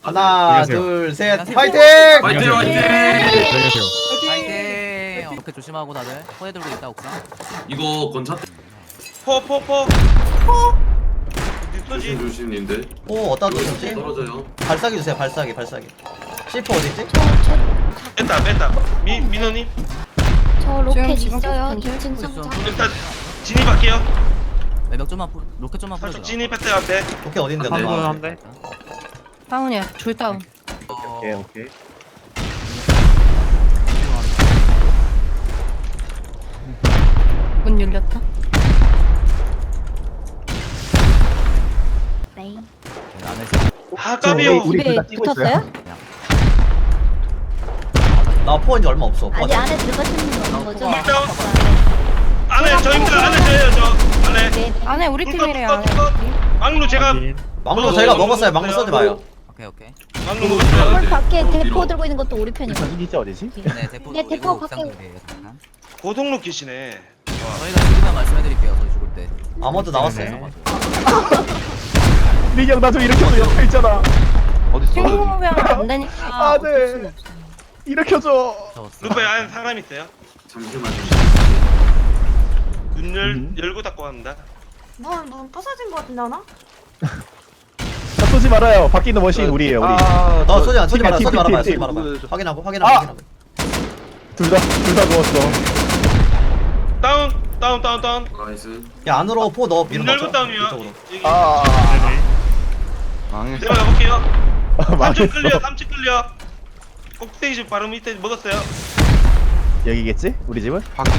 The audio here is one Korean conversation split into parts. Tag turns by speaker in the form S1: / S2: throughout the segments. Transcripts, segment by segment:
S1: 하나,
S2: 안녕하세요.
S1: 둘, 셋,
S3: 안녕하세요.
S1: 파이팅!
S4: 화이팅 화이팅!
S2: 안녕하세요.
S3: 파이팅! 어깨 조심하고 다들 포에 들고 있다 옥상.
S4: 이거 건차
S5: 포
S4: 조심 조심님들
S1: 오, 어디다 두셨지?
S4: 떨어져요.
S1: 발사기 주세요, 발사기. C4 어디지?
S5: 뺐다 민호님
S6: 저 로켓
S7: 지금
S6: 있어요.
S7: 계속
S6: 2층
S3: 있어.
S6: 상자.
S5: 일단 진입할게요.
S3: 매력 좀만 로켓 좀만
S5: 살짝
S3: 뿌려줘.
S5: 진입했어요 앞에.
S1: 오케이, 어딘데?
S4: 한
S1: 너가?
S4: 번.
S2: 대.
S7: 다운이야. 둘 다운.
S2: 오케이.
S7: 문 열렸다.
S6: 네.
S3: 안에서
S5: 아 까비요.
S7: 집에 붙었어요?
S1: 나 포인지 얼마 없어.
S6: 아직 안에 들어가시는 거 없는 거죠?
S5: 물다운. 안에 저입니다. 안에 저예요 저. 안에.
S6: 네.
S7: 안에 우리 팀이래요.
S5: 막루 제가
S1: 망로 저희가 먹었어요. 망로 써지 마요.
S3: 오케이.
S5: 막루 먹었어요.
S6: 홀 밖에
S4: 뒤로.
S6: 대포 들고 있는 것도 우리 편이에요.
S2: 이기지 어디지?
S3: 네 대포.
S6: 네, 대포
S3: 옥상
S6: 밖에-
S3: 준비해요. 잠깐.
S5: 고동 로켓이네.
S3: 저희가 죽으면 말씀해드릴게요. 저희 죽을 때.
S1: 아머드 나왔어요.
S2: 네. 민경 나 좀 일으켜줘. 옆에 있잖아.
S7: 친구면 안 되니까. 어쩔 수는 없어.
S2: 일으켜줘.
S3: 잡았어.
S5: 루페 안에 사람 있어요.
S4: 잠시만요.
S5: 문 열고 닫고 합니다.
S8: 문 부서진 거 같은데 하나?
S2: 자, 쏘지 말아요. 밖에 있는 머신 우리예요. 우리.
S1: 너 쏘지 마라.
S2: 팀,
S1: 쏘지
S2: 팀,
S1: 말아봐.
S2: 팀.
S1: 확인하고.
S2: 아! 둘 다 누웠어.
S5: 다운.
S4: 나이스.
S1: 야, 안으로 포 넣어.
S5: 문
S1: 밀어
S5: 열고
S1: 넣자.
S5: 다운이요.
S1: 이쪽으로.
S2: 아.
S5: 내가 가볼게요. 3층
S2: 망했어.
S5: 클리어. 3층 클리어. 꼭대기 집 바로 밑에 먹었어요.
S2: 여기겠지? 우리 집은?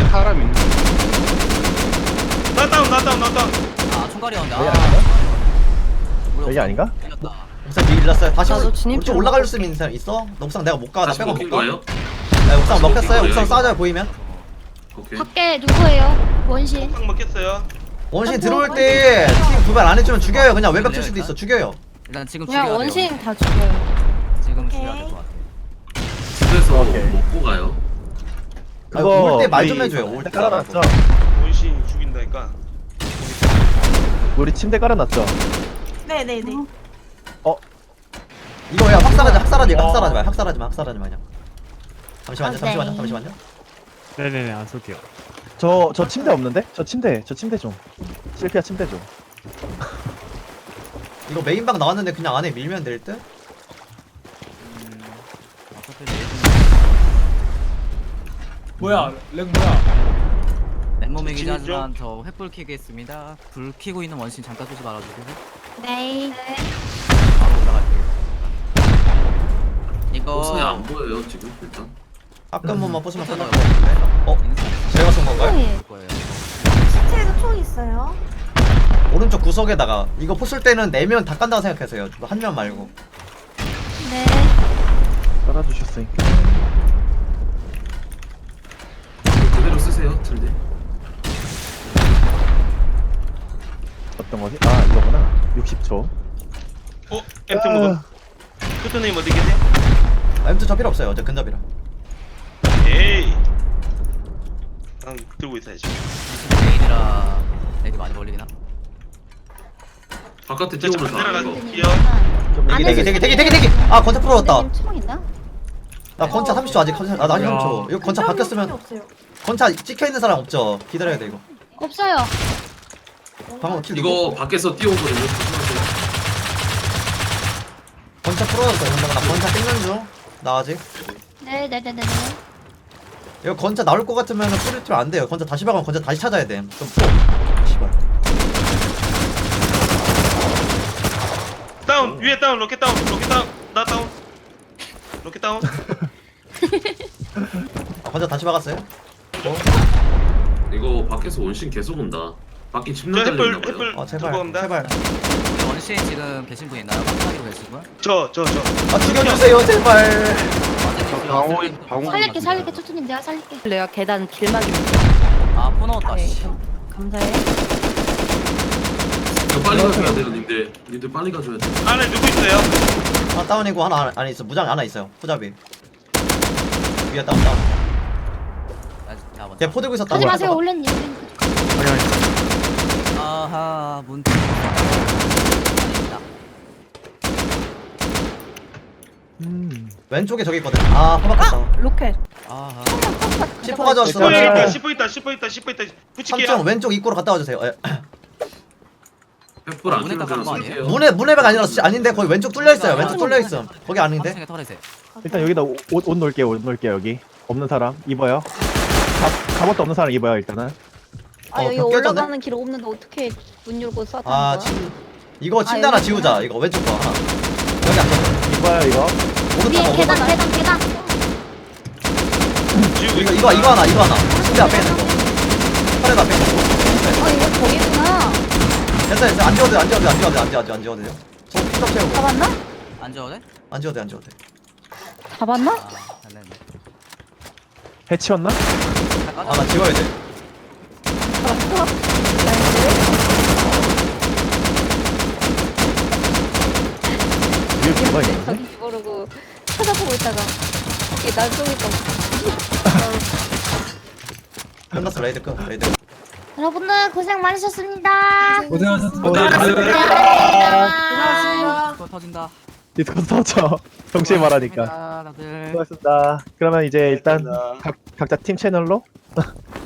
S5: 나 다운.
S3: 아 총갈이 온다.
S2: 여기
S3: 아.
S2: 아닌가?
S3: 우리
S2: 여기
S3: 옥상
S2: 아닌가?
S3: 밀렸다.
S1: 옥상 밀렸어요. 다시
S7: 나도 진입
S1: 좀 올라갈 수 있는 사람 있어? 나 옥상 내가 못 가. 나
S4: 다시
S1: 빼고
S4: 먹힌
S1: 못 가.
S4: 거예요?
S1: 나 옥상
S4: 다시
S1: 먹혔어요.
S4: 먹힌
S1: 옥상
S4: 거예요,
S1: 쏴줘요 보이면.
S4: 오케이.
S6: 밖에 누구예요? 원신.
S5: 딱 먹겠어요.
S1: 원신 들어올 때 팀 두발 안 해주면 죽여요. 그냥 외벽 칠 수도 있어. 죽여요.
S3: 일단 지금
S7: 그냥
S3: 죽여야
S7: 원신
S3: 돼요.
S7: 다 죽여요.
S3: 지금
S8: 오케이.
S3: 죽여야 될 것 같아.
S4: 집에서
S2: 오케이.
S4: 먹고 가요.
S1: 올 때 말 좀
S2: 우리
S1: 해줘요. 올 때.
S2: 깔아놨죠?
S5: 원신 죽인다니까.
S2: 우리 침대 깔아놨죠?
S8: 네네네.
S1: 이거 야 학살하지 마 그냥. 잠시만요.
S2: 네네네 안 쏠게요. 저 침대 없는데? 저 침대 좀. 실피아 침대 좀.
S1: 이거 메인방 나왔는데 그냥 안에 밀면 될 듯?
S3: 어차피 내일
S9: 뭐야 렉 뭐야?
S3: 맨몸이긴
S5: 진입
S3: 하지만 저 횃불 켜겠습니다. 불 켜고 있는 원신 잠깐 쏘지 말아주세요.
S6: 네.
S3: 바로 올라갈게요. 이거
S4: 옥상에 안 보여요 지금 일단.
S1: 가끔 한번 부수면
S3: 음.
S1: 끝날 것 같은데? 어? 제가 쏜 건가요?
S6: 네.
S3: 올 거예요.
S8: 시체에도 총 있어요.
S1: 오른쪽 구석에다가 이거 부술 때는 4명 다 깐다고 생각하세요. 한 명 말고.
S6: 네.
S2: 깔아주셨으니까.
S4: 그대로 쓰세요 틀대.
S2: 어떤 거지? 아 이거구나. 60초.
S5: 엠트 먹어. 크토님 어디 계세요?
S1: M2 저 필요 없어요. 어제 근접이라.
S5: 에이. 난 들고 있어야지.
S3: 메인이라 렉이 많이 걸리긴 함.
S4: 바깥에
S5: 저
S4: 뛰어오면서 안 이거.
S5: 내려갈게요.
S1: 대기. 아, 건차 풀어졌다.
S6: 선생님 총 있나?
S1: 나 건차 30초 아직 나 30초. 이거 건차
S8: 근접은
S1: 바뀌었으면
S8: 없어요.
S1: 건차 찍혀 있는 사람 없죠. 기다려야 돼 이거.
S6: 없어요.
S1: 방금 킬
S4: 이거 밖에서 뛰어오거든요. 조심하세요.
S1: 건차 풀어졌어. 근데 나 건차 찍는 중. 나 아직.
S6: 네네네네.
S1: 이거 건차 나올 것 같으면 뿌리트면 안 돼요. 건차 다시 박으면 건차 다시 찾아야 돼. 좀 풀어. 씨발.
S5: 다운 위에 다운 로켓 다운 나 다운 로켓 다운.
S1: 아, 건차 다시 박았어요?
S4: 이거 밖에서 원신 계속 온다. 밖에
S5: 저
S4: 침낭 달렸나 봐요.
S5: 햇불
S1: 아, 제발.
S5: 들고 갑니다.
S1: 제발.
S3: 원신 지금 계신 분 있나요? 깜짝이로 계신 분?
S5: 저
S1: 아, 죽여주세요. 제발.
S6: 살릴게 초초님 내가 살릴게.
S7: 내가 계단 길막입니다.
S3: 아포 넣었다.
S7: 네,
S3: 씨.
S7: 감사해.
S4: 이거 빨리 가줘야 돼요 님들. 님들 빨리 가줘야 돼.
S5: 안에 누구 있어요?
S1: 하나 다운이고 하나 안에 있어. 무장 하나 있어요. 후잡이. 위에 다운.
S3: 나 먼저.
S1: 걔 포 들고 있었다.
S6: 하지 마세요 올렌님.
S3: 아하 문.
S1: 왼쪽에 저기 있거든. 아 허박했다.
S7: 로켓.
S3: 아하.
S1: C4 가져왔어.
S5: 슈퍼
S2: 네.
S5: 있다. 슈퍼 있다. 슈퍼 있다. 슈퍼 있다. 붙일게요.
S1: 3층 왼쪽 입구로 갔다 와주세요. 예.
S4: 횃불 안
S3: 문에
S4: 켜면
S3: 딱
S4: 그냥
S3: 거 아니에요?
S4: 쏠게요.
S1: 문에가 아니라 아닌데 거기 왼쪽 뚫려 있어요. 왼쪽 뚫려 있음. 거기 아닌데.
S3: 3층에 털에세.
S2: 일단 여기다 옷 놓을게요. 옷 놓을게요. 여기 없는 사람 입어요. 갑옷도 없는 사람 입어요. 일단은.
S7: 아 여기
S1: 벽 깨졌네?
S7: 올라가는 길 없는데 어떻게 문 열고 쏴다는
S1: 아
S7: 거야?
S1: 이거 침대 하나
S7: 여기
S1: 지우자. 이거 왼쪽 거 하나. 여기 앉아.
S2: 입어요 이거.
S6: 위에
S1: 오른쪽 거.
S6: 계단 계단.
S5: 지우고
S1: 이거
S5: 있어.
S1: 이거 하나. 침대 앞에 있는 거. 팔에도 앞에 있는 거.
S7: 아 이거 저기구나.
S1: 됐어. 안 지워도 돼요. 저 피터 채우고.
S7: 잡았나?
S3: 안 줘도 돼?
S1: 안 지워도 돼.
S7: 잡았나?
S3: 아, 잘했네.
S2: 해치웠나?
S3: 다
S1: 아
S3: 까져.
S1: 나 지워야 돼.
S2: 위에 뭐가 있는데?
S7: 저기 모르고 찾아보고 있다가 이게 날 쏘니까
S1: 끝났어. 레이드 끝. 레이드.
S6: 여러분들 고생 많으셨습니다.
S9: 고생하셨습니다.
S8: 고생하셨습니다.
S3: 또 터진다.
S2: 디스코드 터져. 정신 말하니까.
S3: 다들.
S2: 수고하셨습니다. 그러면 이제 일단 각자 팀 채널로